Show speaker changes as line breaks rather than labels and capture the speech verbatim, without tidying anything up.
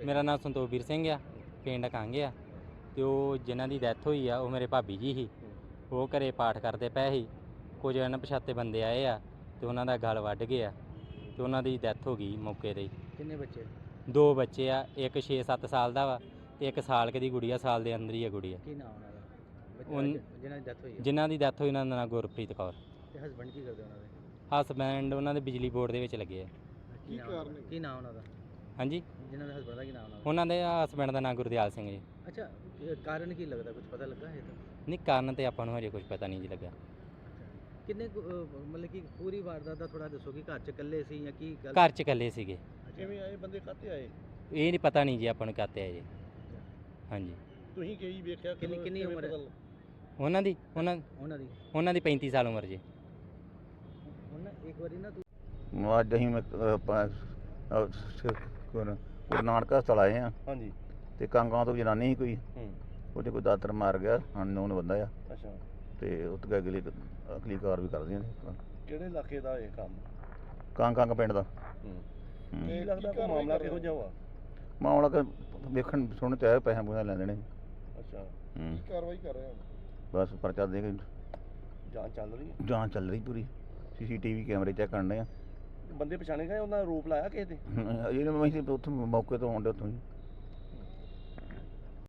ਮੇਰਾ ਨਾਮ ਸੰਤੋਖਵੀਰ ਸਿੰਘ ਆ, ਪਿੰਡ ਕੰਗ ਆ। ਤੇ ਉਹ ਜਿਨ੍ਹਾਂ ਦੀ ਡੈਥ ਹੋਈ ਆ ਉਹ ਮੇਰੇ ਭਾਬੀ ਜੀ ਸੀ। ਉਹ ਘਰੇ ਪਾਠ ਕਰਦੇ ਪਏ ਸੀ। ਕੁਝ ਅਣਪਛਾਤੇ ਬੰਦੇ ਆਏ ਆ ਤੇ ਉਹਨਾਂ ਦਾ ਗਲ ਵੱਢ ਗਿਆ ਤੇ ਉਹਨਾਂ ਦੀ ਡੈਥ ਹੋ ਗਈ ਮੌਕੇ 'ਤੇ ਹੀ।
ਕਿੰਨੇ ਬੱਚੇ?
ਦੋ ਬੱਚੇ ਆ, ਇੱਕ ਛੇ ਸੱਤ ਸਾਲ ਦਾ ਵਾ ਤੇ ਇੱਕ ਸਾਲ ਕੁ ਦੀ ਗੁੜੀਆ, ਸਾਲ ਦੇ ਅੰਦਰ ਹੀ ਆ ਗੁੜੀਆ।
ਕੀ ਨਾਮ ਉਹਨਾਂ ਦਾ?
ਉਨ-
ਬੱਚੇ ਜਿਨ੍ਹਾਂ ਦੀ ਡੈਥ ਹੋਈ ਹੈ।
ਜਿਨ੍ਹਾਂ ਦੀ ਡੈਥ ਹੋਈ ਉਹਨਾਂ ਦਾ ਨਾਂ ਗੁਰਪ੍ਰੀਤ ਕੌਰ।
ਤੇ ਹਸਬੰਡ ਕੀ ਕਰਦੇ ਉਹਨਾਂ ਦੇ?
ਹਸਬੈਂਡ ਉਹਨਾਂ ਦੇ ਬਿਜਲੀ ਬੋਰਡ ਦੇ ਵਿੱਚ ਲੱਗੇ ਆ।
ਕੀ ਕਾਰਨ? ਕੀ ਨਾਮ ਉਹਨਾਂ ਦਾ?
ਹਾਂਜੀ,
ਜਿਨ੍ਹਾਂ ਦੇ ਹਸਬੰਡ ਦਾ ਕੀ ਨਾਮ ਉਹਨਾਂ ਦਾ?
ਉਹਨਾਂ ਦੇ ਹਸਬੈਂਡ ਦਾ ਨਾਂ ਗੁਰਦਿਆਲ ਸਿੰਘ ਜੀ।
ਅੱਛਾ, ਇਹ ਕਾਰਨ ਕੀ ਲੱਗਦਾ, ਕੁਝ ਪਤਾ ਲੱਗਾ ਹੈ ਤਾਂ?
ਨਹੀਂ, ਕਾਰਨ ਤੇ ਆਪਾਂ ਨੂੰ ਹਜੇ ਕੁਝ ਪਤਾ ਨਹੀਂ ਜੀ ਲੱਗਾ।
ਕਿੰਨੇ ਕੁ, ਅਹ, ਮਤਲਬ ਕਿ ਪੂਰੀ ਵਾਰਦਾਤ ਦਾ ਥੋੜਾ ਦੱਸੋ ਕਿ ਘਰ ਚ ਇਕੱਲੇ ਸੀ ਜਾਂ ਕੀ ਗੱਲ?
ਘਰ 'ਚ ਇਕੱਲੇ ਸੀਗੇ।
ਕਿਵੇਂ ਆਏ ਬੰਦੇ, ਕਾਹਤੇ ਆਏ?
ਇਹ ਨਹੀਂ ਪਤਾ ਨਹੀਂ ਜੀ ਆਪਾਂ ਨੂੰ ਕਾਤੇ ਆਏ ਜੀ। ਹਾਂਜੀ,
ਤੁਸੀਂ ਕੀ ਵੇਖਿਆ?
ਕਿੰਨੀ ਕਿੰਨੀ ਉਮਰ ਹੈ
ਉਹਨਾਂ ਦੀ ਉਹਨਾਂ
ਉਹਨਾਂ ਦੀ?
ਉਹਨਾਂ ਦੀ ਪੈਂਤੀ ਸਾਲ ਉਮਰ ਜੀ।
ਹੁਣ ਨਾ ਇੱਕ ਵਾਰੀ ਨਾ ਤੂੰ
ਅੱਜ ਅਸੀਂ ਮੈਂ ਗੁਰੂ ਨਾਨਕ ਹਸਪਤਾਲ ਆਏ ਹਾਂ
ਹਾਂਜੀ।
ਤੇ ਕਾਂਗਾਂ ਤੋਂ ਜਨਾਨੀ ਸੀ ਕੋਈ,
ਹੂੰ।
ਉਹਦੇ ਕੋਈ ਦਾਤਰ ਮਾਰ ਗਿਆ, ਅਨਨੋਨ ਬੰਦਾ ਆ।
ਅੱਛਾ,
ਤੇ ਉੱਥੇ ਅਗਲੀ ਅਗਲੀ ਕਾਰ ਵੀ ਕਰਦੀਆਂ ਨੇ।
ਕਿਹੜੇ ਇਲਾਕੇ ਦਾ ਇਹ ਕੰਮ?
ਕਾਂਗ ਕਾਂਗ ਪਿੰਡ ਦਾ।
ਹੂੰ।
ਹੂੰ।
ਕੀ ਲੱਗਦਾ ਕੋਈ ਮਾਮਲਾ ਕਿਹੋ ਜਿਹਾ ਵਾ?
ਮਾਮਲਾ ਕਿ ਵੇਖਣ ਸੁਣ ਤੇ ਆਏ, ਪੈਸੇ ਪੂਸੇ ਲੈ ਲੈਣੇ।
ਅੱਛਾ,
ਹੂੰ।
ਕੀ ਕਾਰਵਾਈ ਕਰ ਰਹੇ ਹੋ?
ਬਸ ਪਰਚਾ ਦੇ ਕੇ
ਜਾਂਚ ਚੱਲ ਰਹੀ ਹੈ।
ਜਾਂਚ ਚੱਲ ਰਹੀ ਪੂਰੀ। ਸੀਸੀਟੀਵੀ ਕੈਮਰੇ ਚੈੱਕ ਕਰਨੇ ਆ।
ਬੰਦੇ ਪਛਾਣੇ ਗਏ, ਉਹਨਾਂ ਦਾ ਰੂਪ ਲਾਇਆ ਕਿਸੇ ਦੇ?
ਜਿਹੜੇ ਮੈਂ ਉੱਥੇ ਮੌਕੇ ਤੋਂ ਆਉਂਦੇ ਉੱਥੋਂ ਹੀ